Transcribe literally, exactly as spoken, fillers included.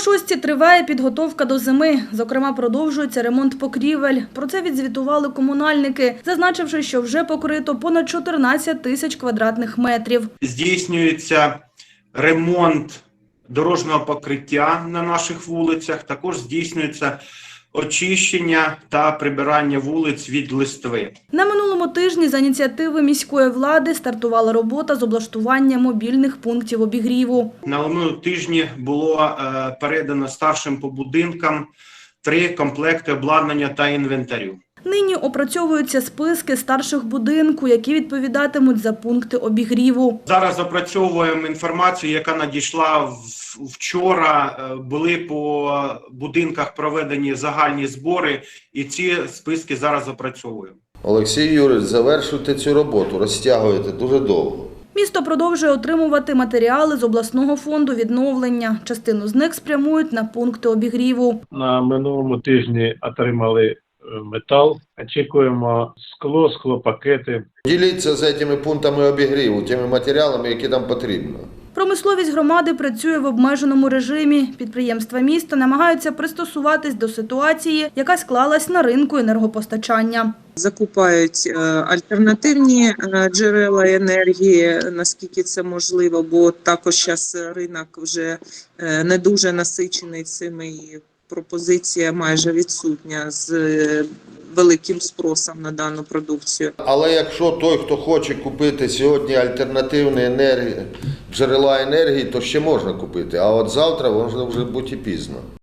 шостці триває підготовка до зими. Зокрема, продовжується ремонт покрівель. Про це відзвітували комунальники, зазначивши, що вже покрито понад чотирнадцять тисяч квадратних метрів. Здійснюється ремонт дорожнього покриття на наших вулицях, також здійснюється очищення та прибирання вулиць від листви. На минулому тижні за ініціативи міської влади стартувала робота з облаштування мобільних пунктів обігріву. На минулому тижні було е, передано старшим по будинкам три комплекти обладнання та інвентарю. Нині опрацьовуються списки старших будинку, які відповідатимуть за пункти обігріву. Зараз опрацьовуємо інформацію, яка надійшла вчора. Були по будинках проведені загальні збори, і ці списки зараз опрацьовуємо. Олексій Юрійович, завершуйте цю роботу, розтягуєте дуже довго. Місто продовжує отримувати матеріали з обласного фонду відновлення. Частину з них спрямують на пункти обігріву. На минулому тижні отримали метал, очікуємо скло, склопакети. Діліться з цими пунктами обігріву, тими матеріалами, які там потрібно. Промисловість громади працює в обмеженому режимі. Підприємства міста намагаються пристосуватись до ситуації, яка склалась на ринку енергопостачання. Закупають альтернативні джерела енергії, наскільки це можливо, бо також зараз ринок вже не дуже насичений цими, і пропозиція майже відсутня з великим спросом на дану продукцію. Але якщо той, хто хоче купити сьогодні альтернативні енергії, джерела енергії, то ще можна купити, а от завтра може вже бути і пізно.